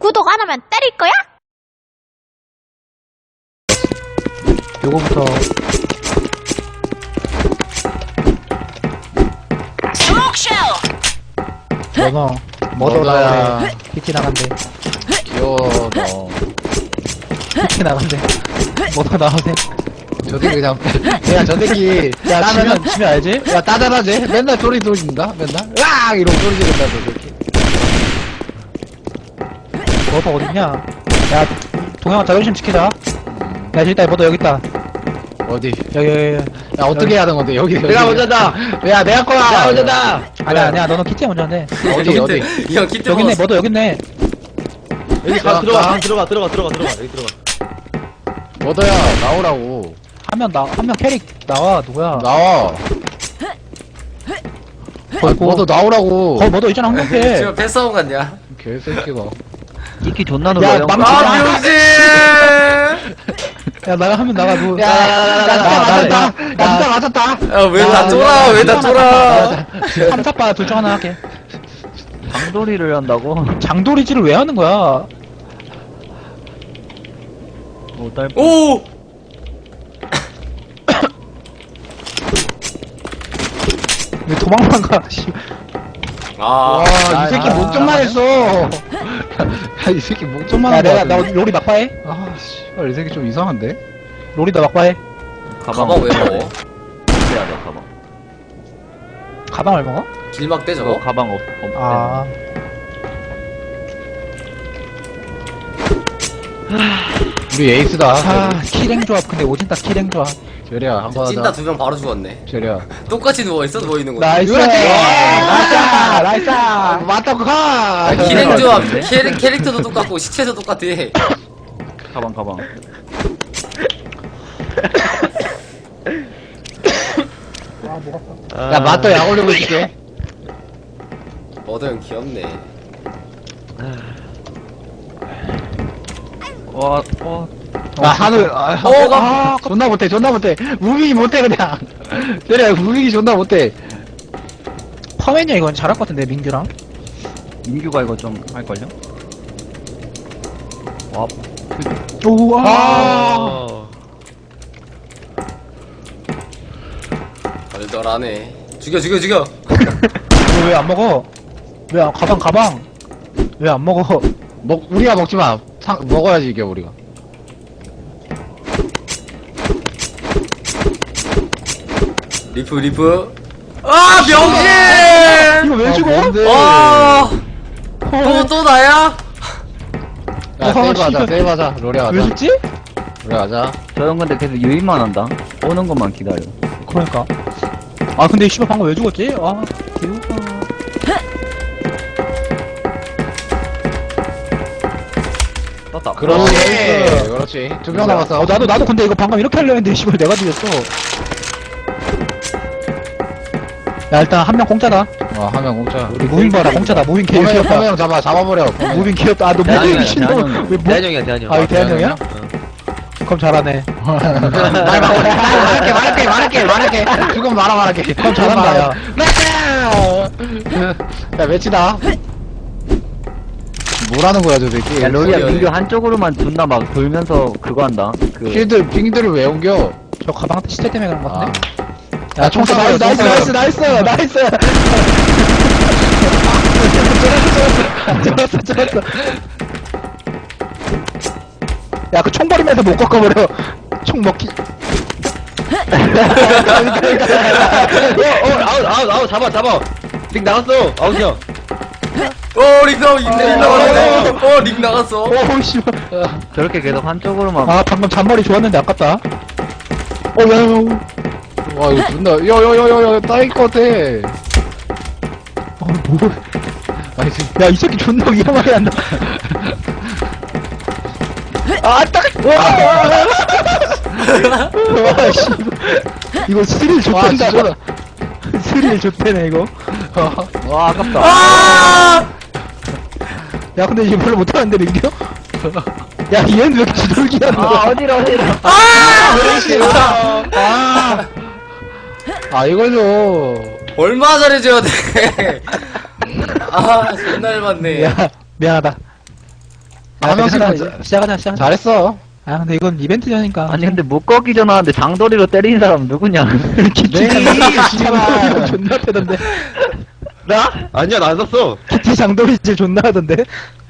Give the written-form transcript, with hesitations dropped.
구독 안 하면 때릴 거야? 요거부터 너너 머더라야 PT 나간대. 귀여워 너. PT 나간대. 머더 나오세. 저 새끼 그냥 야저 새끼 야 따면은 지면 알지? 야 따다라지 맨날 소리 지른다 맨날 으악 이러고 소리 지른다 저 새끼. 머더 어딨냐? 야 동영아 자존심 지키자. 야 일단 머더 여기 있다. 어디 여기. 야 어떻게 하는 건데 여기 내가 먼저다. 야 내가 거야 내가 먼저다. 아니야 너는 키티 먼저 한대. 어디 어디 이형 키트 여기 있네 머더 여기 있네. 여기 야, 들어가. 가. 들어가. 여기 들어가. 뭐더야 나오라고 한 명 캐릭 나와 누구야? 나와 뭐더 나오라고 거기 머더 있잖아 황금패. 지금 패싸움 같냐? 개새끼가 이키 존나 야 놀아요. 망치자. 아 병신! 야 나가 하면 나가 뭐. 야야야야 나 맞았다 야왜 다 쫄아? 왜 다 쫄아? 삼탑바 둘 중 하나 할게. 장돌이를 한다고? 장도리질을 왜 하는 거야? 못할 오! 왜 도망만 가? 씨. 아, 와이 새끼 목좀만 했어 야이 새끼 목좀만 야 한거 내가 나 롤이 막바해. 아 씨발 이 새끼 좀 이상한데 롤이 나 막바해. 가방 왜 먹어? 해야 돼 가방. 가방을 먹어? 길막 떼 저거? 가방 없. 아. 우리 에이스다 아 킬행 조합 근데 오진다 킬행 조합. 제리야 한번 찐따 하자 두 명 바로 죽었네. 제리야 똑같이 누워있어? 누워있는 거지? 나이스. 그렇지! 나이스. 맞다고 가 기능 조합 캐릭터도 똑같고 시체도 똑같아. 가방. 야 맞다 약 올리고 있을게 머더 형 귀엽네. 와. 아 하늘 존나 못해 무빙이 못해 그냥 제리야 무빙이 존나 못해 퍼맨이야 이건 잘할 것 같은데 민규랑. 민규가 이거 좀 할걸요? 와. 오. 덜덜하네. 죽여. 왜 안 먹어? 가방. 왜 안 먹어? 우리가 먹지마 먹어야지 이게 우리가 리프. 아 병신! 이거 왜 죽어? 뭔데? 와! 또 나야? 야 세이브하자 씨발. 세이브하자 로리 왜 하자 죽지? 로리 하자 저 형 근데 계속 유인만 한다. 오는 것만 기다려. 그러니까. 아 근데 이 씨발 방금 왜 죽었지? 아 개우가. 떴다. 그렇지 두 명 남았어 나도 근데 이거 방금 이렇게 하려 했는데 씨발 내가 죽였어. 야 일단 한 명 공짜다. 한 명 공짜 우리 무빙 봐라 공짜다. 무빙 개 포명 귀엽다. 잡아버려 무빙 귀엽다. 아너 무빙 미친놈. 왜 뭐? 대한형이야. 아 대한형이야? 그럼 잘하네. 말할게 죽으면 말할게 그럼 잘한다 야. 야 매치다 뭐라는 거야 저 새끼 야 로리야 소리야. 민규 한쪽으로만 존나 막 돌면서 그거 한다. 그 핑들을 왜 옮겨 저 가방 시체 때문에 그런 것 아. 같은데? 야, 총 쏴봐요, 총 쏴봐요. 나이스 좋았어 야 그 총 버리면서 못 꺾어버려. 총 먹기. 아웃 잡아. 릭 나갔어. 아웃이야. 릭 나갔어. 릭 나갔어. 오 씨발. 저렇게 계속 한쪽으로만. 아 방금 잔머리 좋았는데 아깝다. 야야야. 와 이거 존나 야야야야 따일 것 같아 뭐? 아니 야이 새끼 존나 위험하게 한다. 아 딱. 와 씨발. 이거 스릴 와 좋댄다. 진짜 스릴 좋대네 이거. 와 아깝다. 아! 야 근데 이거 별로 못하는데 민규? 야 얘는 왜 이렇게 지돌기야 너? 어디로. 이걸 줘 얼마나 잘해줘야 돼? 아, 존나 얇았네. 야 미안하다. 한 명씩 시작하자. 잘했어. 아, 근데 이건 이벤트전이니까. 아니 근데 목거기 전화하는데 장도리로 때리는 사람 누구냐? 네, 장돌이 존나 패던데. 나? 아니야 나 안 샀어. 키티 장돌이 질 존나 하던데.